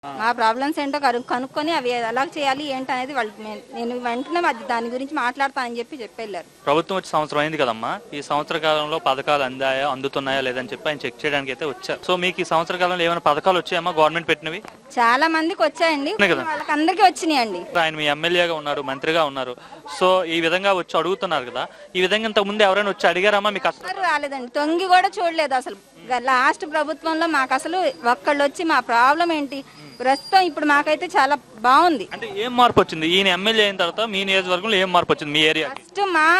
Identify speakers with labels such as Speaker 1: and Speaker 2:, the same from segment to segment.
Speaker 1: మా ప్రాబ్లమ్స్ ఏంటో కనుక్కొని అవి ఎలా చేయాలి ఏంటనేది వాళ్ళు నేను వెంటనే దాని గురించి మాట్లాడతానని చెప్పి వెళ్ళారు.
Speaker 2: ప్రభుత్వం వచ్చి సంవత్సరం అయింది కదమ్మా, ఈ సంవత్సర కాలంలో పథకాలు అందుతున్నాయా లేదని చెప్పి ఆయన చెక్ చేయడానికి అయితే వచ్చారు. సో మీకు ఈ సంవత్సర కాలంలో ఏమైనా పథకాలు వచ్చాయమ్మా గవర్నమెంట్ పెట్టినవి?
Speaker 1: చాలా మందికి వచ్చాయండి, వాళ్ళకి అందరికీ వచ్చినాయండి.
Speaker 2: ఆయన మీ ఎమ్మెల్యేగా ఉన్నారు, మంత్రిగా ఉన్నారు, సో ఈ విధంగా వచ్చి అడుగుతున్నారు కదా, ఈ విధంగా ఇంతకు ముందు ఎవరైనా వచ్చి అడిగారమ్మా మీకు? అసలు
Speaker 1: రాలేదండి, తొంగి కూడా చూడలేదు. అసలు లాస్ట్ ప్రభుత్వంలో మాకు అసలు ఒక్కళ్ళు వచ్చి మా ప్రాబ్లం ఏంటి, ప్రస్తుతం ఇప్పుడు మాకైతే చాలా బాగుంది.
Speaker 2: అంటే ఏం మార్పు వచ్చింది ఈయన ఎమ్మెల్యే అయిన తర్వాత మీ నియోజకవర్గంలో? ఏం మార్పు వచ్చింది మీ ఏరియా?
Speaker 1: ఫస్ట్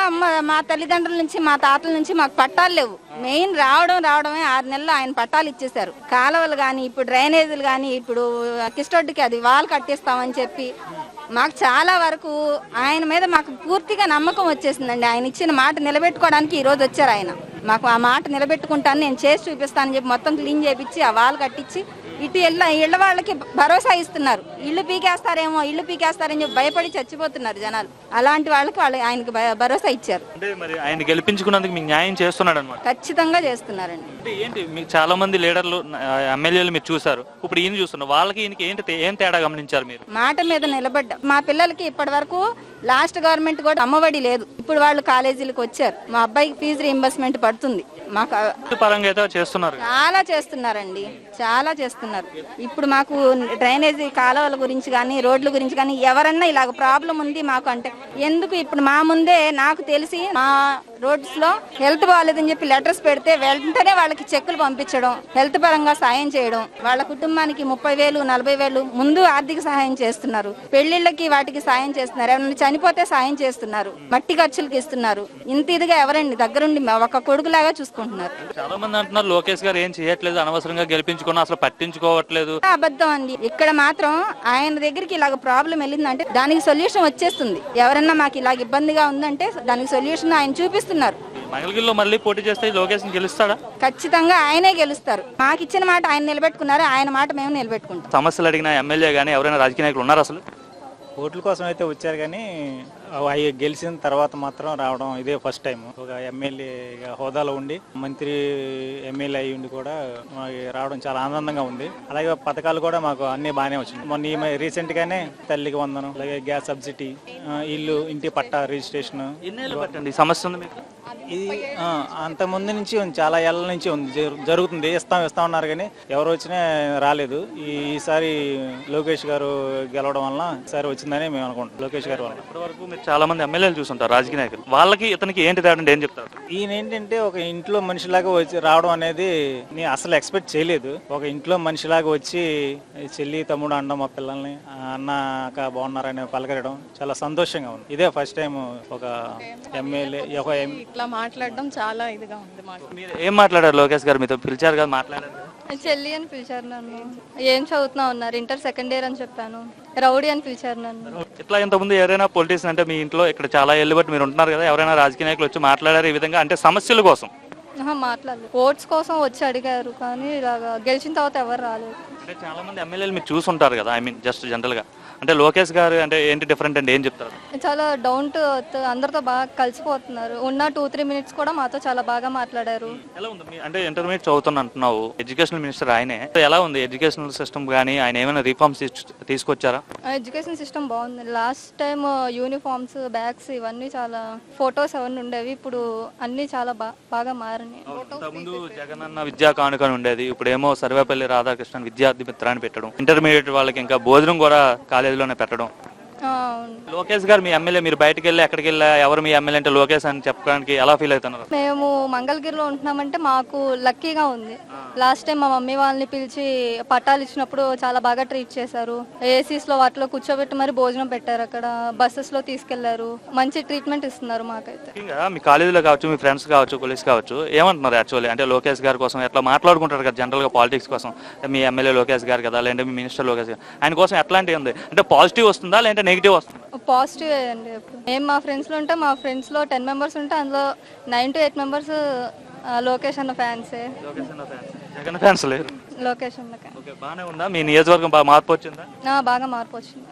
Speaker 1: మా తల్లిదండ్రుల నుంచి మా తాతల నుంచి మాకు పట్టాలు లేవు. మెయిన్ రావడమే 6 నెలలు ఆయన పట్టాలు ఇచ్చేశారు. కాలువలు కానీ ఇప్పుడు డ్రైనేజీలు కానీ ఇప్పుడు కిస్టొడ్డుకి అది వాల్ కట్టిస్తామని చెప్పి మాకు చాలా వరకు ఆయన మీద మాకు పూర్తిగా నమ్మకం వచ్చేసిందండి. ఆయన ఇచ్చిన మాట నిలబెట్టుకోవడానికి ఈ రోజు వచ్చారు ఆయన. మాకు ఆ మాట నిలబెట్టుకుంటాను, నేను చేసి చూపిస్తానని చెప్పి మొత్తం క్లీన్ చేపించి ఆ వాల్ కట్టించి ఇటు ఇళ్ళ వాళ్ళకి భరోసా ఇస్తున్నారు. ఇల్లు పీకేస్తారని చెప్పి భయపడి చచ్చిపోతున్నారు జనాలు. అలాంటి వాళ్ళకి ఆయనకి భరోసా ఇచ్చారు.
Speaker 2: అంటే మరి ఆయన గెలిపించుకున్నందుకు మీకు న్యాయం చేస్తున్నాడు అన్నమాట?
Speaker 1: ఖచ్చితంగా చేస్తున్నారండి.
Speaker 2: అంటే ఏంటి మీకు చాలా మంది లీడర్లు ఎమ్మెల్యేలు మీరు చూసారు, ఇప్పుడు ఈయన చూస్తున్నారు, వాళ్ళకి ఈయనకి ఏం తేడా గమనించారు మీరు?
Speaker 1: మాట మీద నిలబడ్డా. మా పిల్లలకి ఇప్పటి వరకు లాస్ట్ గవర్నమెంట్ కూడా అమ్మఒడి లేదు. ఇప్పుడు వాళ్ళు కాలేజీలకు వచ్చారు, మా అబ్బాయికి ఫీజు రీయింబర్స్మెంట్ పడుతుంది. మాకు
Speaker 2: పరంగా అయితే చేస్తున్నారు,
Speaker 1: చాలా చేస్తున్నారండి, చాలా చేస్తున్నారు. ఇప్పుడు మాకు డ్రైనేజీ కాలువల గురించి కానీ రోడ్ల గురించి కానీ ఎవరన్నా ఇలాగ ప్రాబ్లం ఉంది మాకు అంటే ఎందుకు ఇప్పుడు మా ముందే నాకు తెలిసి మా రోడ్స్ లో హెల్త్ బాగాలేదని చెప్పి లెటర్స్ పెడితే వెంటనే వాళ్ళకి చెక్కులు పంపించడం, హెల్త్ పరంగా సాయం చేయడం, వాళ్ళ కుటుంబానికి 30,000 40,000 ముందు ఆర్థిక సహాయం చేస్తున్నారు. పెళ్లిళ్ళకి వాటికి సాయం చేస్తున్నారు. ఎవరైనా చనిపోతే సాయం చేస్తున్నారు, మట్టి ఖర్చులకి ఇస్తున్నారు. ఇంత ఇదిగా ఎవరండి దగ్గరుండి ఒక కొడుకులాగా చూసుకుంటున్నారు.
Speaker 2: చాలా మంది అంటున్నారు లోకేష్ గారు ఏం చేయట్లేదు, అనవసరంగా గెలిపించుకున్నా అసలు పట్టించుకోవట్లేదు.
Speaker 1: అబద్ధం అండి. ఇక్కడ మాత్రం ఆయన దగ్గరికి ఇలాగ ప్రాబ్లం వెళ్ళిందంటే దానికి సొల్యూషన్ వచ్చేస్తుంది. ఎవరన్నా మాకు ఇలాగ ఇబ్బందిగా ఉందంటే దానికి సొల్యూషన్ ఆయన చూపిస్తున్నారు.
Speaker 2: మంగళగిరిలో మళ్ళీ పోటీ చేస్తే లోకేష్ గెలుస్తాడా?
Speaker 1: ఖచ్చితంగా ఆయనే గెలుస్తారు. మాకు ఇచ్చిన మాట ఆయన నిలబెట్టుకున్నారు, ఆయన మాట మేము నిలబెట్టుకుంటాం.
Speaker 2: సమస్యలు అడిగిన ఎమ్మెల్యే గానీ ఎవరైనా రాజకీయ నాయకులు ఉన్నారు అసలు?
Speaker 3: ఓట్ల కోసం అయితే వచ్చారు కానీ అవి గెలిచిన తర్వాత మాత్రం రావడం ఇదే ఫస్ట్ టైం. ఒక ఎమ్మెల్యే హోదాలో ఉండి మంత్రి ఎమ్మెల్యే అయ్యి ఉండి కూడా రావడం చాలా ఆనందంగా ఉంది. అలాగే పథకాలు కూడా మాకు అన్ని బాగానే వచ్చింది. మొన్న రీసెంట్ గానే తల్లికి వందనం, అలాగే గ్యాస్ సబ్సిడీ, ఇంటి పట్టా రిజిస్ట్రేషన్.
Speaker 2: సమస్య ఉంది మీకు?
Speaker 3: ఇది అంత ముందు నుంచి చాలా ఏళ్ల నుంచి ఉంది, జరుగుతుంది. ఇస్తా ఉన్నారు కానీ ఎవరు వచ్చినా రాలేదు. ఈసారి లోకేష్ గారు గెలవడం వల్ల ఈసారి వచ్చిందని మేము అనుకుంటాం. లోకేష్ గారు వల్ల
Speaker 2: ఇప్పటి వరకు మీరు చాలా మంది ఎమ్మెల్యేలు చూస్తుంటారు రాజకీయ నాయకులు, వాళ్ళకి ఇతనికి ఏంటి తేడా ఏం చెప్తారు?
Speaker 3: ఈయన ఏంటంటే ఒక ఇంట్లో మనిషిలాగా వచ్చి రావడం అనేది నేను అసలు ఎక్స్పెక్ట్ చేయలేదు. ఒక ఇంట్లో మనిషిలాగా వచ్చి చెల్లి తమ్ముడు అనడం, మా పిల్లల్ని అన్న అక్క బాగున్నారని పలకరడం చాలా సంతోషంగా ఉంది. ఇదే ఫస్ట్ టైం ఒక ఎమ్మెల్యే
Speaker 4: ఇట్లా మాట్లాడడం చాలా ఇదిగా ఉంది.
Speaker 2: మీరు ఏం మాట్లాడారు లోకేష్ గారు? మీతో పిలిచారు కదా, మాట్లాడారు?
Speaker 4: చెల్లి అని పిలిచారు నన్ను. ఏం చదువుతున్నా ఉన్నారు, ఇంటర్ సెకండ్ ఇయర్ అని చెప్పాను. రౌడీ అని పిలిచారు నన్ను.
Speaker 2: ఇట్లా ఇంతకుముందు ఎవరైనా పొలిటీషియన్ అంటే మీ ఇంట్లో ఇక్కడ చాలా ఏళ్ళు బట్టి మీరు ఉంటున్నారు కదా, ఎవరైనా రాజకీయ నాయకులు వచ్చి మాట్లాడారు ఈ విధంగా అంటే సమస్యల కోసం?
Speaker 4: మాట్లాడలేదు, ఓట్స్ కోసం వచ్చి అడిగారు కానీ ఇలాగా గెలిచిన తర్వాత ఎవరు రాలేదు.
Speaker 2: అంటే చాలా మంది ఎమ్మెల్యేలు మీరు చూసుంటారు కదా, ఐ మీన్ జస్ట్ జనరల్ గా అంటే లోకేష్ గారు అంటే ఏంటి డిఫరెంట్ అంటే ఏం చెప్తారు?
Speaker 4: చాలా డౌన్ టు ఎర్త్, అందరితో బాగా కలిసిపోతున్నారు. ఉన్న 2-3 మినిట్స్ కూడా మాతో చాలా బాగా మాట్లాడారు.
Speaker 2: ఎలా ఉంది అంటే ఇంటర్మీడియట్ చదువుతున్నా అంటున్నావు, ఎడ్యుకేషనల్ మినిస్టర్ ఆయనే, ఎలా ఉంది ఎడ్యుకేషనల్ సిస్టమ్ కానీ ఆయన ఏమైనా రిఫార్మ్స్ తీసుకొచ్చారా?
Speaker 4: ఎడ్యుకేషన్ సిస్టమ్ బాగుంది. లాస్ట్ టైం యూనిఫామ్స్, బ్యాగ్స్ ఇవన్నీ చాలా ఫొటోస్ అవన్నీ ఉండేవి, ఇప్పుడు అన్ని చాలా బాగా మారినాయి.
Speaker 2: ముందు జగన్ అన్న విద్యా కానుక ఉండేది, ఇప్పుడు ఏమో సర్వేపల్లి రాధాకృష్ణన్ విద్యార్థి మిత్రాన్ని పెట్టడం, ఇంటర్మీడియట్ వాళ్ళకి ఇంకా భోజనం కూడా కాలేజీలోనే పెట్టడం. లోకేష్ గారు మీ ఎమ్మెల్యే, మీరు బయటకు వెళ్ళి ఎక్కడికి వెళ్ళా ఎవరు మీ ఎమ్మెల్యే అంటే లోకేష్ అని చెప్పడానికి ఎలా ఫీల్ అవుతున్నారు?
Speaker 4: మేము మంగళగిరిలో ఉంటున్నామంటే మాకు లక్కీగా ఉంది. లాస్ట్ టైం మా మమ్మీ వాళ్ళని పిలిచి పట్టాలు ఇచ్చినప్పుడు చాలా బాగా ట్రీట్ చేశారు. ఏసీస్ లో వాటిలో కూర్చోబెట్టి మరి భోజనం పెట్టారు, అక్కడ బస్సెస్ లో తీసుకెళ్లారు, మంచి ట్రీట్మెంట్ ఇస్తున్నారు మాకైతే.
Speaker 2: మీ కాలేజీలో కావచ్చు, మీ ఫ్రెండ్స్ కావచ్చు, కొలీగ్స్ కావచ్చు, ఏమంటున్నారు యాక్చువల్లీ అంటే లోకేష్ గారి కోసం ఎట్లా మాట్లాడుకుంటారు కదా జనరల్ గా పాలిటిక్స్ కోసం, మీ ఎమ్మెల్యే లోకేష్ గారు కదా, లేదంటే మీ మినిస్టర్ లోకేష్ గారు, ఆయన కోసం ఎట్లాంటివి ఉంది అంటే పాజిటివ్ వస్తుందా లేదంటే నెగిటివ్ వస్తుందా?
Speaker 4: పాజిటివ్ అండి. మేము మా ఫ్రెండ్స్లో ఉంటే మా ఫ్రెండ్స్లో 10 మెంబర్స్ ఉంటే అందులో 9 to 8 మెంబర్స్ లోకేష్ అన్న ఫ్యాన్సే.
Speaker 2: జగన్ ఫ్యాన్స్ లేరు.
Speaker 4: లోకేష్ అన్న
Speaker 2: బాగానే ఉందా? మీ నియోజకవర్గం బాగా మార్పు వచ్చిందా?
Speaker 4: బాగా మార్పు వచ్చింది.